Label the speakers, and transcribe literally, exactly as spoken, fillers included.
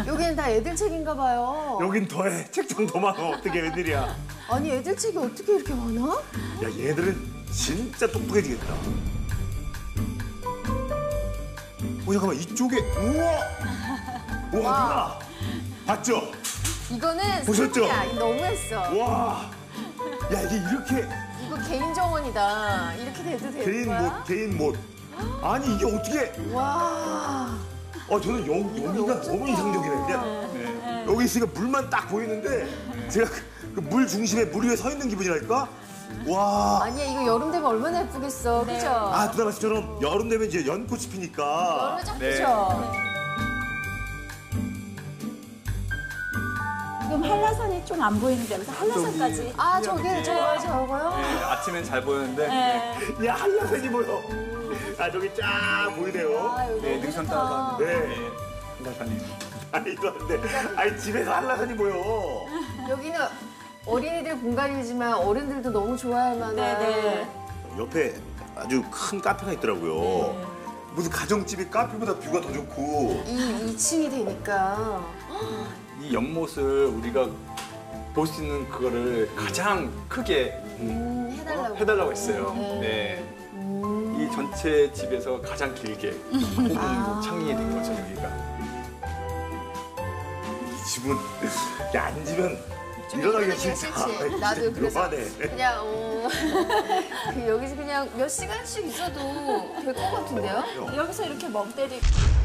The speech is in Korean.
Speaker 1: 여기는 다 애들 책인가 봐요.
Speaker 2: 여긴 더해. 책장 더 많아. 어떻게 웬일이야.
Speaker 1: 아니 애들 책이 어떻게 이렇게 많아?
Speaker 2: 야 얘들은 진짜 똑똑해지겠다. 오 잠깐만 이쪽에 우와. 우와 누나 봤죠?
Speaker 1: 이거는
Speaker 2: 보셨죠?
Speaker 1: 소리야. 이거 너무했어.
Speaker 2: 와. 야 이게 이렇게
Speaker 1: 이거 개인 정원이다. 이렇게 돼도 되는
Speaker 2: 개인
Speaker 1: 거야?
Speaker 2: 못 개인 못. 아니 이게 어떻게?
Speaker 1: 와.
Speaker 2: 어 저는 여, 여기가 너무 이상적이네. 그냥 네. 여기 있으니까 물만 딱 보이는데 제가 그 물 중심에 물 위에 서 있는 기분이랄까? 와.
Speaker 1: 아니야 이거 여름 되면 얼마나 예쁘겠어. 그죠?
Speaker 2: 아 누나 말씀처럼 여름 되면 이제 연꽃이 피니까.
Speaker 1: 여름에 쫙
Speaker 2: 네.
Speaker 1: 피죠.
Speaker 3: 지금 한라산이 좀 안 보이는데 여기서 한라산까지.
Speaker 1: 아 저게 저거 저거요?
Speaker 4: 네, 아침엔 잘 보였는데
Speaker 3: 네.
Speaker 2: 야 한라산이 보여. 아 저기 쫙 보이네요.
Speaker 1: 아 여기
Speaker 4: 네,
Speaker 1: 너무
Speaker 4: 능선
Speaker 1: 좋다.
Speaker 4: 따라서
Speaker 2: 네.
Speaker 4: 한라산이.
Speaker 2: 아니 이거 안돼. 아니 집에서 한라산이 보여.
Speaker 1: 여기는 어린이들 공간이지만 어른들도 너무 좋아할 만한.
Speaker 3: 네네.
Speaker 2: 옆에 아주 큰 카페가 있더라고요. 무슨 가정집이 카페보다 뷰가 더 좋고.
Speaker 1: 이 이 층이 되니까.
Speaker 4: 이 연못을 우리가 볼 수 있는 그거를 가장 크게
Speaker 1: 음, 해달라고.
Speaker 4: 해달라고 했어요.
Speaker 1: 네.
Speaker 4: 네.
Speaker 1: 음.
Speaker 4: 이 전체 집에서 가장 길게 호흡
Speaker 1: 아.
Speaker 4: 창이 된 거죠, 여기가.
Speaker 2: 이 집은 야, 앉으면
Speaker 1: 좀
Speaker 2: 일어나기가
Speaker 1: 일어나기가
Speaker 2: 싫다.
Speaker 1: 싫지. 나도 그래서
Speaker 2: 요만해.
Speaker 1: 그냥 어, 그 여기서 그냥 몇 시간씩 있어도 될 것 같은데요?
Speaker 3: 여기서 이렇게 멍 때리고.